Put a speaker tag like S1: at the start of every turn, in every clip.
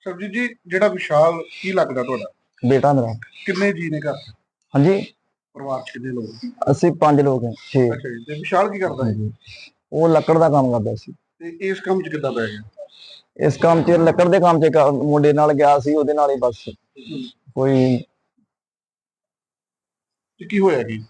S1: ਸਰਬਜੀਤ ਜੀ, ਜਿਹੜਾ ਵਿਸ਼ਾਲ ਕੀ ਲੱਗਦਾ ਤੁਹਾਡਾ?
S2: बेटा मेरा।
S1: ਕਿੰਨੇ ਜੀ ਨੇ ਘਰ 'ਚ?
S2: हाँ जी।
S1: ਪਰਿਵਾਰ 'ਚ ਕਿੰਨੇ ਲੋਕ?
S2: ਅਸੀਂ 5 ਲੋਕ हैं 6।
S1: ਅੱਛਾ ਜੀ, ਤੇ ਵਿਸ਼ਾਲ ਕੀ ਕਰਦਾ ਹੈ?
S2: ਹਾਂਜੀ। ਉਹ ਲੱਕੜ ਦਾ ਕੰਮ ਕਰਦਾ ਸੀ।
S1: ਤੇ ਇਸ ਕੰਮ 'ਚ ਕਿੱਦਾਂ ਪੈ ਗਿਆ?
S2: ਇਸ ਕੰਮ 'ਚ ਲੱਕੜ ਦੇ ਕੰਮ 'ਚ ਇੱਕ ਮੁੰਡੇ ਨਾਲ ਗਿਆ ਸੀ, ਉਹਦੇ ਨਾਲ ਹੀ ਬਸ ਕੋਈ
S1: ਤੇ ਕੀ ਹੋਇਆ ਕੀ?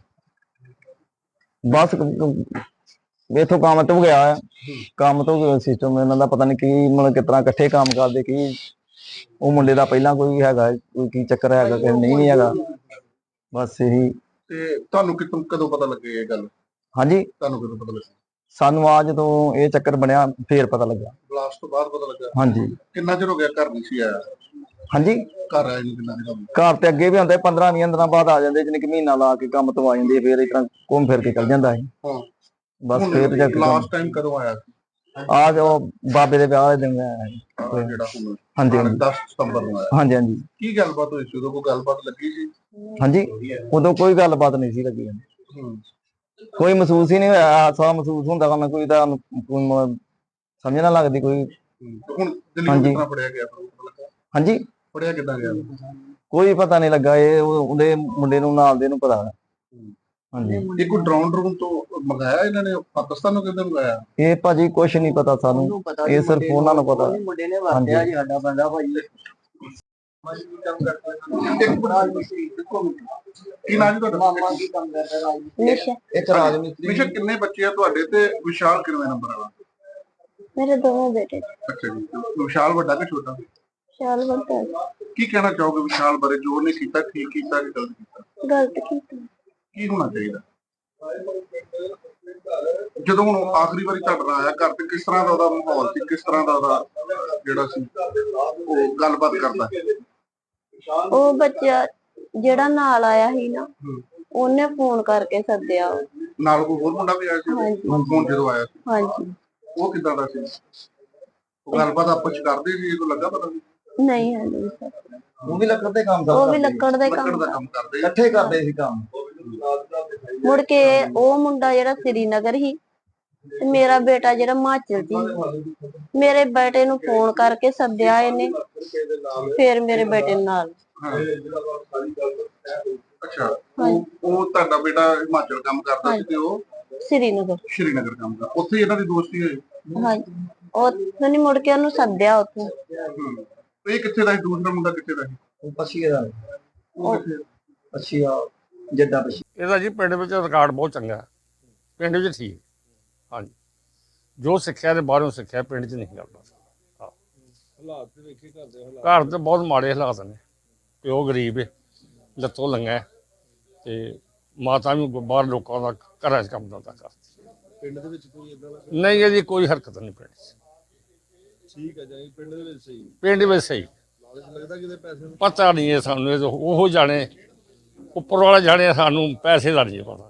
S2: ਬਸ ਇਥੋਂ ਕੰਮ ਤੋਂ ਗਿਆ ਹੈ। ਕੰਮ ਤੋਂ ਸਿਸਟਮ ਇਹਨਾਂ ਦਾ ਪਤਾ ਨਹੀਂ ਕੀ, ਮਤਲਬ ਕਿਸ ਤਰ੍ਹਾਂ ਇਕੱਠੇ ਕੰਮ ਕਰਦੇ ਕੀ। ਉਹ ਮੁੰਡੇ ਦਾ ਪਹਿਲਾਂ ਕੋਈ ਹੈਗਾ, ਕੋਈ ਕੀ ਚੱਕਰ ਹੈਗਾ ਕਿ ਨਹੀਂ ਹੈਗਾ, ਬਸ ਇਹੀ।
S1: ਤੇ ਤੁਹਾਨੂੰ ਕਦੋਂ ਪਤਾ ਲੱਗੇ ਇਹ ਗੱਲ?
S2: ਹਾਂਜੀ।
S1: ਤੁਹਾਨੂੰ ਕਦੋਂ ਪਤਾ ਲੱਗਾ?
S2: ਸਾਨੂੰ ਆ ਜਦੋਂ ਇਹ ਚੱਕਰ ਬਣਿਆ ਫੇਰ ਪਤਾ ਲੱਗਾ।
S1: ਬਲਾਸਟ ਤੋਂ ਬਾਅਦ ਪਤਾ ਲੱਗਾ?
S2: ਹਾਂਜੀ।
S1: ਕਿੰਨਾ ਚਿਰ ਹੋ ਗਿਆ ਘਰ ਨਹੀਂ ਸੀ ਆਇਆ?
S2: ਹਾਂਜੀ।
S1: ਘਰ ਆਏ ਨੂੰ ਕਿੰਨਾ ਚਿਰ ਹੋ ਗਿਆ?
S2: ਘਰ ਤੇ ਅੱਗੇ ਵੀ ਆਉਂਦੇ 15-20 ਦਿਨਾਂ ਬਾਅਦ ਆ ਜਾਂਦੇ, ਜਿਵੇਂ ਕਿ ਮਹੀਨਾ ਲਾ ਕੇ ਕੰਮ ਤੋਂ ਆ ਜਾਂਦੇ, ਫੇਰ ਇਸ ਤਰ੍ਹਾਂ ਘੁੰਮ ਫਿਰ ਕੇ ਚੱਲ ਜਾਂਦਾ ਸੀ।
S1: ਹਾਂ।
S2: ਬਸ ਫੇਰ ਜਾ ਕੇ
S1: ਲਾਸਟ ਟਾਈਮ ਕਦੋਂ ਆਇਆ ਸੀ?
S2: ਆ ਜੋ ਬਾਬੇ ਦੇ ਵਿਆਹ ਦੇ ਦਿਨ ਆਇਆ ਸੀ।
S1: ਜਿਹੜਾ ਹੁਣ
S2: ਹਾਂਜੀ
S1: 10 ਸਤੰਬਰ ਨੂੰ ਆਇਆ।
S2: ਹਾਂਜੀ ਹਾਂਜੀ।
S1: ਕੀ ਗੱਲਬਾਤ ਹੋਈ ਸੀ ਉਦੋਂ? ਕੋਈ ਗੱਲਬਾਤ ਲੱਗੀ ਸੀ?
S2: ਹਾਂਜੀ। ਉਦੋਂ ਕੋਈ ਗੱਲਬਾਤ ਨਹੀਂ ਸੀ ਲੱਗੀ।
S1: ਹੂੰ।
S2: ਕੋਈ ਮਹਿਸੂਸ ਹੀ ਨਹੀਂ ਹੋਇਆ। ਹਾਦਸਾ ਮਹਿਸੂਸ ਹੁੰਦਾ ਵਾ, ਕੋਈ ਤਾਂ ਸਮਝ ਨਾ ਲੱਗਦੀ ਕੋਈ।
S1: ਹੁਣ ਦਿੱਲੀ ਕਿੱਦਾਂ ਫੜਿਆ ਗਿਆ?
S2: ਹਾਂਜੀ।
S1: ਫੜਿਆ ਕਿੱਦਾਂ ਗਿਆ?
S2: ਕੋਈ ਪਤਾ ਨਹੀਂ ਲੱਗਾ। ਇਹ ਉਹਦੇ ਮੁੰਡੇ ਨੂੰ ਨਾਲ ਦੇ ਨੂੰ ਪਤਾ। ਹਾਂਜੀ।
S1: ਇਹ ਕੋਈ ਡਰੋਨ ਤੋਂ ਮੰਗਾਇਆ ਇਹਨਾਂ ਨੇ? ਪਾਕਿਸਤਾਨ ਨੂੰ ਕਿੱਦਾਂ ਮੰਗਾਇਆ?
S2: ਇਹ ਭਾਜੀ ਕੁਛ ਨਹੀਂ ਪਤਾ ਸਾਨੂੰ, ਇਹ ਸਿਰਫ ਉਹਨਾਂ ਨੂੰ ਪਤਾ।
S3: ਮੁੰਡੇ ਨੇ ਵਰਤਿਆ ਜੀ ਸਾਡਾ ਬੰਦਾ ਭਾਈ।
S1: ਕੀ ਨਾਮ ਤੁਹਾਡਾ?
S3: ਮਾਮਾ ਕੀ ਕੰਮ ਕਰਦਾ ਰਾਜ?
S2: ਇੱਕ ਰਾਜ ਮਿਸਤਰੀ।
S1: ਵਿਸ਼ਾ, ਕਿੰਨੇ ਬੱਚੇ ਆ ਤੁਹਾਡੇ ਤੇ ਵਿਸ਼ਾਲ ਕਿੰਨੇ ਨੰਬਰ ਵਾਲਾ?
S4: मेरे दोनों बेटे थे।
S1: ਅੱਛਾ ਜੀ। ਵਿਸ਼ਾਲ ਵੱਡਾ ਕਿ ਛੋਟਾ?
S4: विशाल बनता है।
S1: ਕੀ ਕਹਿਣਾ ਚਾਹੋਗੇ ਵਿਸ਼ਾਲ ਬਾਰੇ? ਜੋ ਉਹਨੇ ਕੀਤਾ ਠੀਕ ਕੀਤਾ ਕਿ ਗਲਤ ਕੀਤਾ?
S4: गलत की थी।
S1: ਕੀ ਹੋਣਾ ਚਾਹੀਦਾ? ਜਦੋਂ ਹੁਣ ਆਖਰੀ ਵਾਰੀ ਤੁਹਾਡੇ ਨਾਲ ਆਇਆ ਘਰ ਤੇ, ਕਿਸ ਤਰ੍ਹਾਂ ਦਾ ਉਹਦਾ ਮਾਹੌਲ ਸੀ? ਕਿਸ ਤਰ੍ਹਾਂ ਦਾ ਉਹਦਾ ਜਿਹੜਾ ਸੀ ਉਹ ਗੱਲਬਾਤ ਕਰਦਾ?
S4: ਉਹ ਬੱਚਾ ਜਿਹੜਾ ਨਾਲ ਆਇਆ ਸੀ ਨਾ, ਉਹਨੇ ਫੋਨ ਕਰਕੇ ਸੱਦਿਆ।
S1: ਨਾਲ ਕੋਈ ਹੋਰ ਮੁੰਡਾ ਵੀ ਆਇਆ ਸੀ?
S4: ਹਾਂਜੀ।
S1: ਹੁਣ ਜਦੋਂ ਆਇਆ ਸੀ
S4: ਹਾਂਜੀ।
S1: ਉਹ ਕਿੱਦਾਂ ਦਾ ਸੀ? ਉਹ ਗੱਲਬਾਤ ਆਪਸ ਚ ਕਰਦੇ ਸੀ? ਇਹ ਲੱਗਾ ਪਤਾ?
S4: ਨਹੀਂ ਹੈ ਨਹੀਂ ਸਰ।
S2: ਉਹ ਵੀ ਲੱਕੜ ਦੇ ਕੰਮ
S4: ਉਹ ਵੀ ਲੱਕੜ ਦਾ
S1: ਲੱਕੜ
S4: ਕੰਮ
S1: ਦਾ ਕੰਮ ਕਰਦੇ
S2: ਇਕੱਠੇ ਕਰਦੇ ਸੀ ਕੰਮ।
S4: ਮੁੜ ਕੇ ਉਹ ਮੁੰਡਾ ਜਿਹੜਾ ਸ੍ਰੀਨਗਰ ਸੀ ਤੇ ਮੇਰਾ ਬੇਟਾ ਜਿਹੜਾ ਹਿਮਾਚਲ ਸੀ, ਮੇਰੇ ਬੇਟੇ ਨੂੰ ਫੋਨ ਕਰਕੇ ਸੱਦਿਆ ਇਹਨੇ, ਫਿਰ ਮੇਰੇ ਬੇਟੇ ਨਾਲ।
S1: ਅੱਛਾ। ਉਹ ਤੁਹਾਡਾ ਬੇਟਾ ਹਿਮਾਚਲ ਕੰਮ ਕਰਦਾ ਸੀ ਤੇ ਉਹ
S4: ਸ੍ਰੀਨਗਰ
S1: ਕੰਮ ਕਰਦਾ, ਉੱਥੇ ਇਹਨਾਂ ਦੀ ਦੋਸਤੀ ਹੋਈ?
S4: ਹਾਂਜੀ। ਉਹ ਨਹੀਂ, ਮੁੜ ਕੇ ਉਹਨੂੰ ਸੱਦਿਆ ਉੱਥੇ।
S1: ਇਹ ਕਿੱਥੇ ਦਾ ਸੀ? ਦੂਸਰਾ ਮੁੰਡਾ ਕਿੱਥੇ ਦਾ ਸੀ?
S2: ਉਹ ਪਛੀਏ ਦਾ। ਪਛੀਆ ਜੱਡਾ ਪਛੀ।
S5: ਇਹਦਾ ਜੀ ਪਿੰਡ ਵਿੱਚ ਰਿਕਾਰਡ ਬਹੁਤ ਚੰਗਾ ਹੈ, ਪਿੰਡ ਵਿੱਚ ਠੀਕ। ਹਾਂਜੀ। ਜੋ ਸਿੱਖਿਆ ਤੇ ਬਾਹਰੋਂ ਸਿੱਖਿਆ, ਪਿੰਡ 'ਚ ਨਹੀਂ ਕਰਦਾ।
S6: ਹਾਲਾਤ ਤੇ ਵੇਖੇ ਘਰ ਦੇ ਹਾਲਾਤ।
S5: ਘਰ ਤੇ ਬਹੁਤ ਮਾੜੇ ਹਾਲਾਤ ਨੇ। ਪਿਓ ਗਰੀਬ ਹੈ, ਲੱਤੋਂ ਲੰਗਾ ਹੈ, ਤੇ ਮਾਤਾ ਵੀ ਬਾਹਰ ਲੋਕਾਂ ਦਾ ਘਰਾਂ 'ਚ ਕੰਮ ਧੰਦਾ ਕਰਦੀ।
S6: ਪਿੰਡ ਦੇ ਵਿੱਚ ਕੋਈ ਇਦਾਂ ਦਾ
S5: ਨਹੀਂ, ਇਹਦੀ ਕੋਈ ਹਰਕਤ ਨਹੀਂ ਪਿੰਡ 'ਚ।
S6: ਠੀਕ ਹੈ ਜੀ, ਪਿੰਡ ਦੇ ਵਿੱਚ ਸਹੀ।
S5: ਪਿੰਡ ਵਿੱਚ ਸਹੀ।
S6: ਲਾਲਚ ਲੱਗਦਾ ਕਿਤੇ ਪੈਸੇ ਨੂੰ?
S5: ਪਤਾ ਨਹੀਂ ਹੈ ਸਾਨੂੰ, ਇਹ ਉਹ ਜਾਣੇ, ਉੱਪਰ ਵਾਲਾ ਜਾਣੇ, ਸਾਨੂੰ ਪੈਸੇ ਦਾ ਨਹੀਂ ਪਤਾ।